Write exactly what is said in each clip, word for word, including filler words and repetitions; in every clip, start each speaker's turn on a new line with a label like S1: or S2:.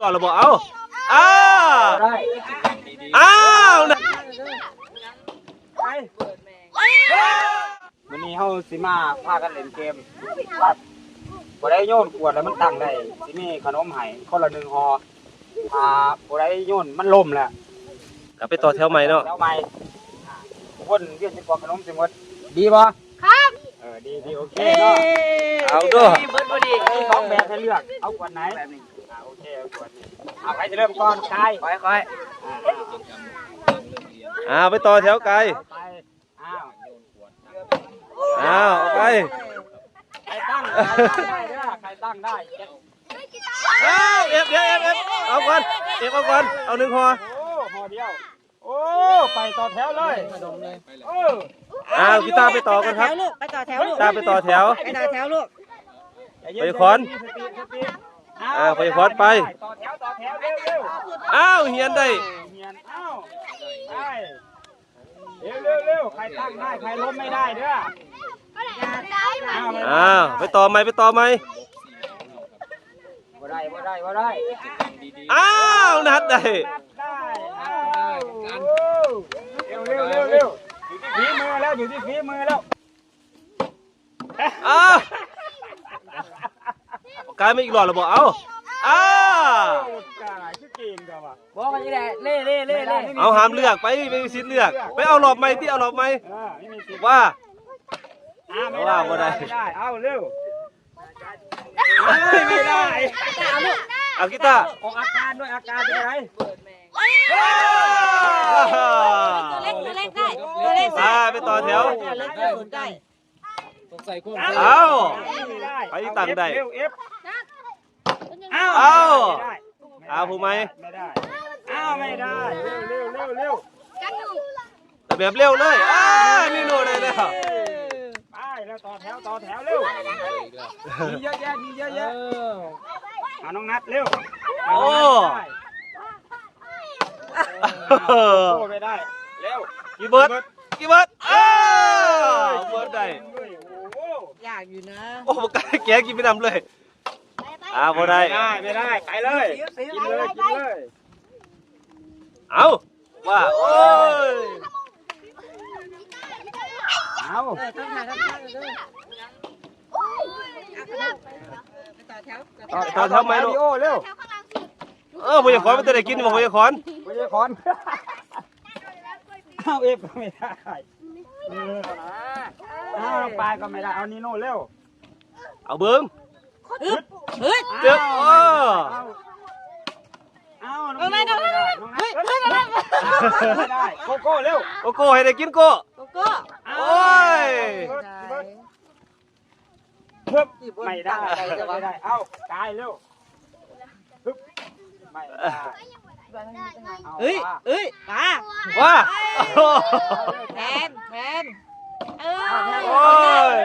S1: ก่อนเราบอกเอาอ้าวอ้าวนะ
S2: วันนี้เขาสิมาพากันเล่นเกมบ่ได้โยนขวดแล้วมันตั้งได้สิมีขนมให้คนละหนึ่งห่ออ่าบ่ได้โยนมันล่มแล้ว
S1: กลับไปต่อแถวใหม่เนาะ
S2: แถวใหม่คนเวียนสิกว่าขนมสิหมดดีบ่ครับเออดีดีโอเคเนาะ
S1: เอาด้วย
S2: มีสองแบบให้เลือกเอาขวดไหนแบบนี้อ่าโอเคเอาขวดนี้เอาใครจะเริ่มก่อนกายค่อยๆ
S1: อ้าวไปต่อแถวไกล
S2: อ้าว
S1: อ้าวไป
S2: ใครตั้งได้เด้อใครตั้งได้
S1: อ้าวเอฟเดี๋ยวเอฟเอฟเอาก่อนเอฟเอาก่อนเอาหนึ่งห่อ
S2: โอ้ห่อเดียวโอ้ไปต่อแถวเลยเออ
S1: อ้าวพี่ตาไปต่อกันครับ
S3: ไปต่อแถวลูก
S1: ตาไปต่อแถว
S3: ไปต่อแถวลูก
S1: ไปขอน อ่าไปขอนไป
S2: ต่อแถวต่อแถวเร็วเร็ว
S1: อ้าวเฮียนได้
S2: เฮียนอ้าวไปเร็วเร็วเร็วใครตั้งได้ใครล้มไม่ได้เด้ออ้าว
S1: อ้าวไปต่อไหมไปต่อไหม
S2: บ่ได้บ่ได้บ่ได้
S1: อ้าวนัดได้
S2: นับได้อ้าวเร็วเร็วเร็วเร็วอยู่ที่ฝีมือแล้วอยู่ที่ฝีมือแล้ว
S1: อ้าวกลายมาอีกหลอดเราบอกเอาอ้าว
S2: กายคือเก่งจังวะ
S3: บอกกันนี่แหละเล่เล่เล่เล่
S1: เอาหามเลือกไปไม่มีสิทธิ์เลือกไปเอาหลอดไหมที่เอาหลอดไหม
S2: เออไม่มีสิทธิ์
S1: ว่า
S2: อ่าไม่ได้
S1: ว่าบ่ได้
S2: ไม่ได้เอาเร็วไม่ได้
S1: เอากีตาร์
S2: ออกอาการด้วยอาการเป็นไร
S3: ตัวเล็กตัวเล็กได้ตัวเล็ก
S1: ไปไปต่อแถว
S3: ตัวเล็กได้ได้
S1: เอา
S2: ไม่ได้
S1: ไปที่ตั้งได้
S2: เร็วเอฟ
S1: เอา
S2: ไม่ได้
S1: เอาผู้ไหม
S2: ไม่ได้เอาไม่ได้เร็วเร็วเร็วเร็ว
S1: แต่แบบเร็วเลยอ้านี่โน่ได้แล้ว
S2: ไปแล้วต่อแถวต่อแถวเร็วมีเยอะแยะมีเยอะแยะเอาน้องนัดเร็ว
S1: โอ้
S2: โอ้ไม่ได้เร็ว
S1: กี่เบิร์ดกี่เบิร์ดอ้าวเบิร์ดได้
S2: โอ้
S3: ยากอยู่นะ
S1: โอ้โหกแกกินไม่นำเลยอ้าวพอได้
S2: ไม่ได้ไม่ได้ไปเลยกินเลยกินเลย
S1: เอาว่าโอ้ย
S2: เอา
S3: เออต้องทานต้องทานเลยไปต่อแถว
S1: ต่อแถวไหมลูก
S2: โอ้เร็ว
S1: เออพยาคอนไม่ได้กินบอกพยาคอน
S2: ไม่ใช่คอนเอาเอฟก็ไม่ได้เอาปลายก็ไม่ได้เอานีโน่เร็ว
S1: เอาเบิ้ง
S3: ฮึดฮึด
S1: เจ็บโอ้
S2: เอาน้องไม่ได้น้องนัทไม่ได้โกโก้เร็ว
S1: โกโก้ให้ได้กินโก้
S3: โกโก้
S1: โอ้ย
S2: ฮึบไม่ได้ไม่ได้เอากายเร็วฮึบไม่ได้
S3: เฮ้ยเฮ้ยมา
S1: ว่า
S3: แมนแมนเออ
S1: โอ้ย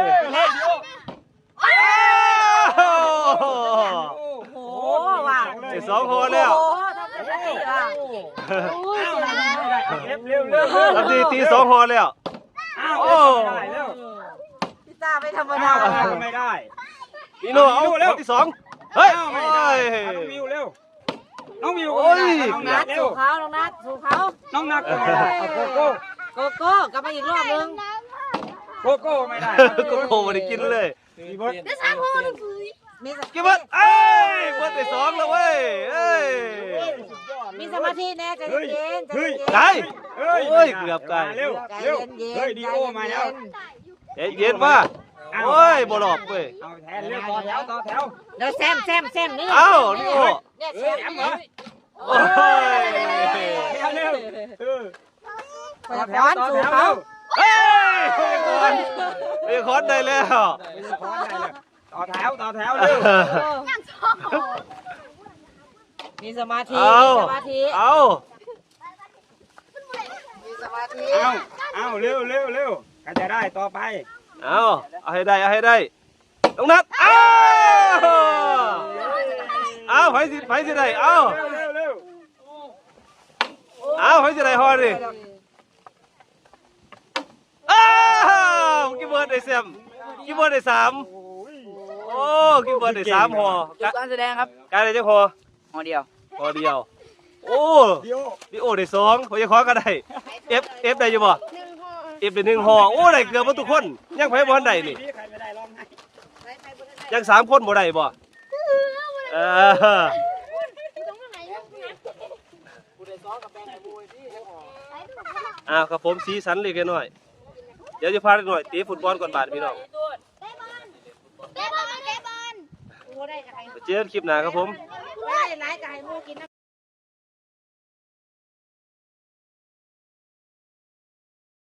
S3: โอ้ว่ะ
S1: ไอ้สองคนแล้ว
S3: โอ้ทำได้ว่ะโอ้ย
S2: เร็วเร็ว
S1: ทำดีตีสองหอแล้ว
S2: โอ้เร็ว
S3: พิซซ่าไม่ธรรมดา
S2: ไม่ได้
S1: นี่โน่เอาคนที่สองเฮ้ย
S2: ไม่
S1: โอ้
S2: ได้
S1: ย
S2: น้องมิวเร็วน้องมิว
S1: โอ้ย
S2: น้อง
S3: นั
S2: นั
S3: ด
S2: ดเร็
S3: สู่
S2: ว
S3: เขาน้องนัดสู่เขา
S2: น้องนัดก็ไม่ได้โกโก้
S3: โกโก้กลับมาอีกรอบนึง
S2: โกโก้ไม่ได้
S1: โกโก้ไม่ได้กินเลย
S2: มีเบิร์ด
S3: มี
S1: กินเบิร์ดเอ้ยเบิร์ดไปสองแล้วเว้ยเอ้ย
S3: มีสมาธิแน่ใจเย็นใจเย็น
S1: ไก่โอ้ยเกือบไก่
S2: เร็ว
S3: ใจ
S2: เร็ว
S3: เย็น
S2: เฮ้ยดีโอมาแล้ว
S1: เย็นเย็นว่าโอ้ยบ่หลอกเว้ย
S2: เอาแทนเร็วต่อแถวต่อแถว
S3: เดี๋ยวแซมแซมแซมนี่
S1: เอ้านี่โอ้
S3: เนี่ยแซ
S2: แถ
S3: ม
S2: มเหรอ
S1: โอ้ย
S2: เร็วเออ
S3: ไปร้อนสู่เขา
S1: เฮ้ยไอ้คอนได้แล้ว
S2: ต่อแถวต่อแถวเร็ว
S3: มีสมาธิ
S1: เอา
S3: มีสมาธิ
S1: เอา
S3: มีสมาธิ
S2: เอาเอาเร็วเร็วเร็วก็จะได้ต่อไป
S1: เอาเอาให้ได้เอาให้ได้ต้องนัดเอาเอาไฟสิไฟสิได้เอา
S2: เร็วเร็วเร็ว
S1: เอาไฟสิได้ฮอดิอ้าวกินเบิร์ดได้แซมกินเบิร์ดได้สามโอ้กินเบิร์ดได้สามห่อ
S4: การแสดงครับ
S1: การได้จังห่อ
S4: หอเดียว
S1: โพอเดียวโอ้
S2: เดียว
S1: ดิโอได้สองพอยายขอก็ได้เอฟเอฟได้อยู่บ่เอฟได้หนึ่งห่อโอ้ได้เกือบหมดทุกคนยังไผบ่ทันได้นี่
S2: ใครไม่ได้ร้องไห้
S1: ยังสามคนบ่ได้บ่เออ
S2: กูได้ซ้อกับแฟนไอ้บุ้ยที่ยังออก
S1: อ่าครับผมสีสันเล็กน้อยเดี๋ยวจะพาเล็กน้อยตีฟุตบอลก่อนบาดพี่น้อง
S3: เตะบอลเตะบอลกูได้กับใคร
S1: ไปเจอกันคลิปหน้าครับผม
S3: ได้หลายกับใครมูกินน้